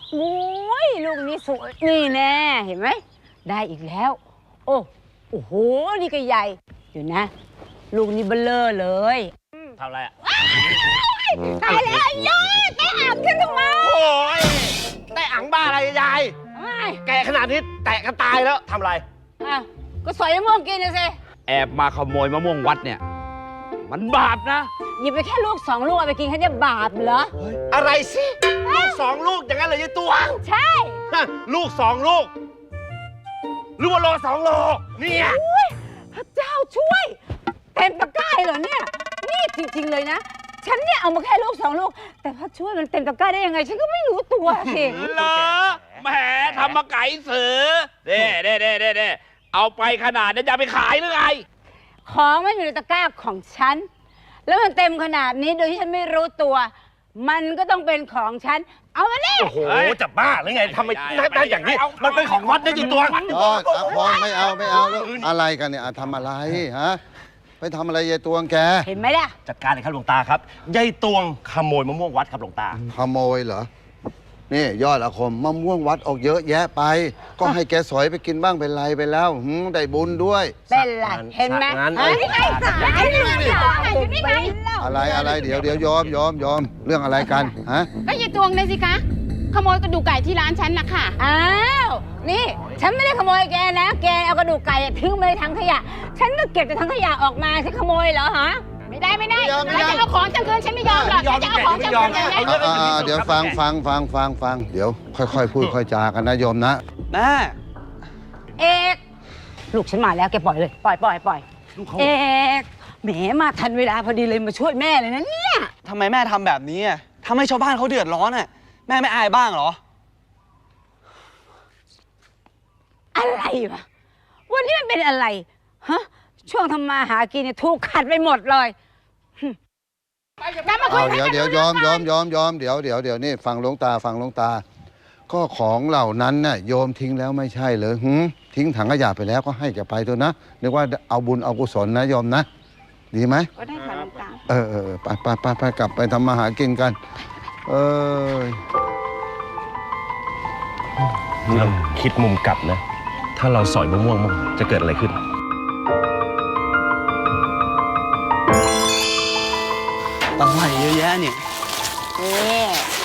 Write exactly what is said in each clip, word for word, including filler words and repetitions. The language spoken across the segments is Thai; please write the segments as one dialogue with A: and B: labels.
A: โอ้ยลูกนี้สวยนี่แน่เห็นไหมได้อีกแล้วโอ้โอ้โหนี่ก็ใหญ่อยู่นะลูกนี้เบลเลอร์เลย
B: ทำอะไรอ่ะ
A: ตายแล้วยายแกอ่างฉันทำไม
B: โอ้ยแต่อ่างบ้าอะไรยายแกขนาดนี้แตะกันตายแล้วทำอะไร
A: อ่ะก็สอยมะม่วงกินนะสิ
B: แอบมาขโมยมะม่วงวัดเนี่ยมันบาปนะ
A: หยิบไปแค่ลูกสองลูกเอาไปกินแค่จะบาปเหรอ
B: อะไรสิลูกสองลูกอย่างนั้นเลยยายตวง
A: ใช่
B: ลูกสองลูกหรือว่าโลสองโลเนี่ย
A: พระเจ้าช่วยเต็มตะกร้าเหรอเนี่ยนี่จริงๆเลยนะฉันเนี่ยเอามาแค่ลูกสองลูกแต่พระช่วยมันเต็มตะกร้าได้ยังไงฉันก็ไม่รู้ตัวสิ
B: เหรอแหมทำมาไก่เสือเด้เด้เด้เด้เด้เอาไปขนาดนี้จะไปขายหรือไง
A: ของมันอยู่ในตะกร้าของฉันแล้วมันเต็มขนาดนี้โดยที่ฉันไม่รู้ตัวมันก็ต้องเป็นของฉันเอามาเนี่ย
B: โอ้โหจะบ้าหรือไงทำไมได้อย่างนี้มันเป็นของวัดได้จริงตัว
C: อ๋อพอไม่เอาไม่เอาแล้วอะไรกันเนี่ยทำอะไรฮะไปทำอะไรยายตวงแก
A: เห็นไหมล่ะ
B: จัดการเลยครับหลวงตาครับยายตวงขโมยมะม่วงวัดครับหลวงตา
C: ขโมยเหรอนี่ยอดอาคมมะม่วงวัดออกเยอะแยะไปก็ให้แกสอยไปกินบ้างเป็นไรไปแล้วได้บุญด้วย
A: เป็นไรเห็นไหมนี่ไงสายนี่ไงนี่ไง
C: อะไรอะไรเดี๋ยวเดี๋ยวยอมยอมยอมเรื่องอะไรกันฮะ
D: ก็ยายตวงเลยสิคะขโมยกระดูกไก่ที่ร้านฉันนะค่ะ
A: อ้าวนี่ฉันไม่ได้ขโมยแกนะแกเอากระดูกไก่ทิ้งไปในถังขยะฉันก็เก็บจากถังขยะออกมาฉันขโมยเหรอฮะ
D: ไม่ได้ไม่ได้ถ้าจะเอาของฉันคืนฉันไม่ยอมหรอกถ้าจะเอาของฉันคืนเลย
C: เดี๋ยวฟังฟังฟังฟังฟังเดี๋ยวค่อยๆพูดค่อยจากันนะโยมนะ
B: แม่
A: เอกลูกฉันมาแล้วแกปล่อยเลยปล่อยปล่อยปล่อยเอกแหมมาทันเวลาพอดีเลยมาช่วยแม่เลยนะเนี่ย
E: ทำไมแม่ทำแบบนี้ทำให้ชาวบ้านเขาเดือดร้อนอ่ะแม่ไม่อายบ้างเหรอ
A: อะไรวะวันนี้มันเป็นอะไรฮะช่วงทำมาหากินเนี่ยถูกขัดไปหมดเลย
C: เอาเดี๋ยวเดี๋ยวยอมยอมยอมยอมเดี๋ยวเดี๋ยวเดี๋ยวนี่ฟังหลวงตาฟังหลวงตาก็ของเหล่านั้นน่ะโยมทิ้งแล้วไม่ใช่เลยหืทิ้งถังขยะไปแล้วก็ให้แกไปเถอะนะนึกว่าเอาบุญเอากุศลนะโยมนะดีไหม
D: ก็ได้ค่ะหลวงตา
C: เออเออไปไปไปไปกลับไปทำมาหากินกันเออ
B: เราคิดมุมกลับนะถ้าเราสอยมะม่วงมั่งจะเกิดอะไรขึ้น
E: อะไรเยอะแยะเนี่ย
A: นี่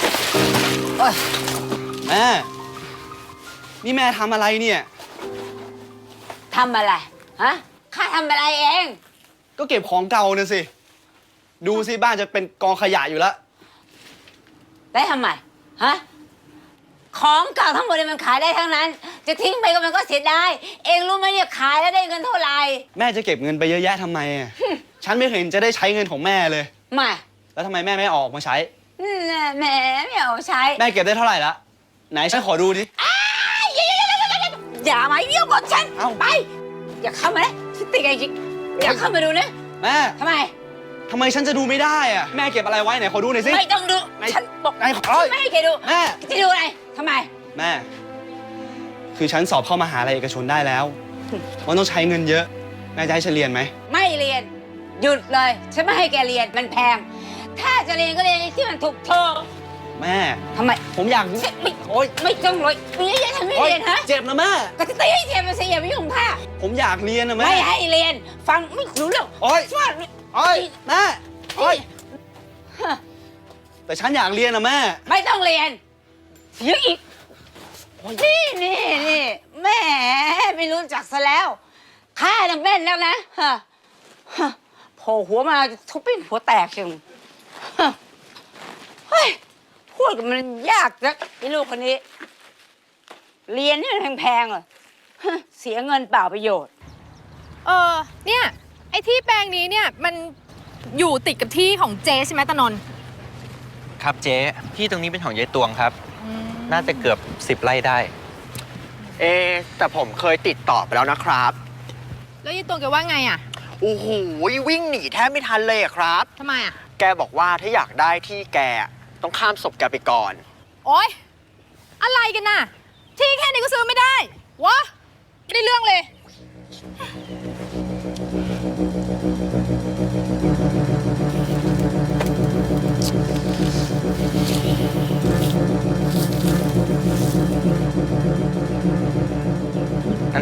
E: แม่นี่แม่ทำอะไรเนี่ย
A: ทำอะไรฮะข้าทำอะไรเอง
E: ก็เก็บของเก่าน่ะสิดูสิบ้านจะเป็นกองขยะอยู่แล้ว
A: ได้ทำไมฮะของเก่าทั้งหมดเลยมันขายได้ทั้งนั้นจะทิ้งไปก็มันก็เสียดายเองรู้ไหมเนี่ยขายแล้วได้เงินเท่าไหร่
E: แม่จะเก็บเงินไปเยอะแยะทำไมฉันไม่เห็นจะได้ใช้เงินของแม่เลย
A: ไม่
E: แล้วทำไมแม่ไม่ออกมาใช้
A: แม่ไม่เอาใช้
E: แม่เก็บได้เท่าไหร่ละไหนฉันขอดูดิ
A: อย่ามาเยี่ยมกับฉันไปอย่าเข้ามาเลยฉันติดไอ้จิ๊กอย่าเข้ามาดูนะ
E: แม่
A: ทำไม
E: ทำไมฉันจะดูไม่ได้อะแม่เก็บอะไรไว้ไหนขอดูหน่อยสิ
A: ไม่ต้องดูฉันบอกไม่ให้แกดู
E: แม่
A: จะดูอะไรทำไม
E: แม่คือฉันสอบเข้ามหาลัยเอกชนได้แล้วมันต้องใช้เงินเยอะแม่จะให้ฉันเรียนไหม
A: ไม่เรียนหยุดเลยฉันไม่ให้แกเรียนมันแพงถ้าจะเรียนก็เรียนที่มันถูกโทษ
E: แม่
A: ทำไม
E: ผมอยาก
A: ไม่โอ๊ยไม่ต้องเลยไม่ให้ฉันไม่เรียนฮะ
E: เจ็บนะแม่
A: ก็จะตีให้เจ็บมันเสียไม่ยุ่งค่ะ
E: ผมอยากเรียนนะแม่
A: ไม่ให้เรียนฟังไม่รู้เรื่อง
E: โอ๊ย
A: ช่วย
E: โอ๊ยแม่โอ๊ยแต่ฉันอยากเรียนนะแม่
A: ไม่ต้องเรียนเสียอีกนี่นี่นี่แม่ไม่รู้จักซะแล้วข้าน่ะแม่นแล้วนะฮะโผล่หัวมาทุบเป็นหัวแตกจังเฮ้ยพูดกับมันยากนะไอ้ลูกคนนี้เรียนนี่มันแพงๆเหรอเสียเงินเปล่าประโยชน์
F: เออเนี่ยไอ้ที่แปลงนี้เนี่ยมันอยู่ติดกับที่ของเจ๊ใช่ไหมตะนนท์
G: ครับเจ๊ที่ตรงนี้เป็นของยายตวงครับน่าจะเกือบสิบไร่ได้
H: เอแต่ผมเคยติดต่อไปแล้วนะครับ
F: แล้วยายตวงแกว่าไงอ่ะ
H: โอ้โหวิ่งหนีแทบไม่ทันเลยอะครับ
F: ทำไมอ่ะ
H: แกบอกว่าถ้าอยากได้ที่แกต้องข้ามศพแกไปก่อน
F: โอ๊ยอะไรกันน่ะที่แค่นี้ก็ซื้อไม่ได้วะไม่ได้เรื่องเลย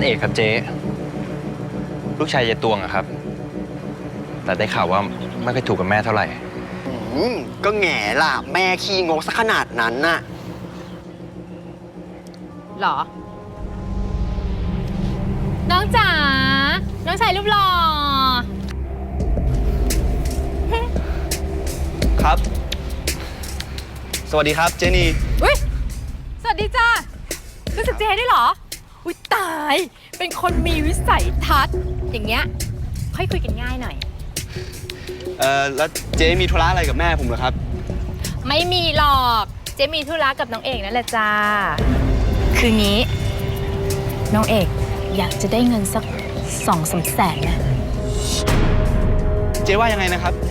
G: นเอกครับเจ๊ลูกชายยายตวงอะครับ แต่ได้ข่าวว่าไม่ค่อยถูกกับแม่เท่าไหร่
H: อืมก็แง่ล่ะ แม่ขี้งกซะขนาดนั้นน่ะ
F: หรอ น้องจ๋า น้องชายรูปหล่อ
E: ครับ สวัสดีครับเจนี่
F: อุ้ยสวัสดีจ้ารู้สึกเจ๊ได้เหรอ อุ้ยตาย เป็นคนมีวิสัยทัศน์ อย่างเงี้ย ค่อยคุยกันง่ายหน่อย
E: เอ่อ แล้วเจมีธุระอะไรกับแม่ผมเหรอครับ
F: ไม่มีหรอก เจ๊มีธุระกับน้องเอกนั่นแหละจ้า คืองี้ น้องเอกอยากจะได้เงินสักสองสามแสนนะ
E: เจว่ายังไงนะครับ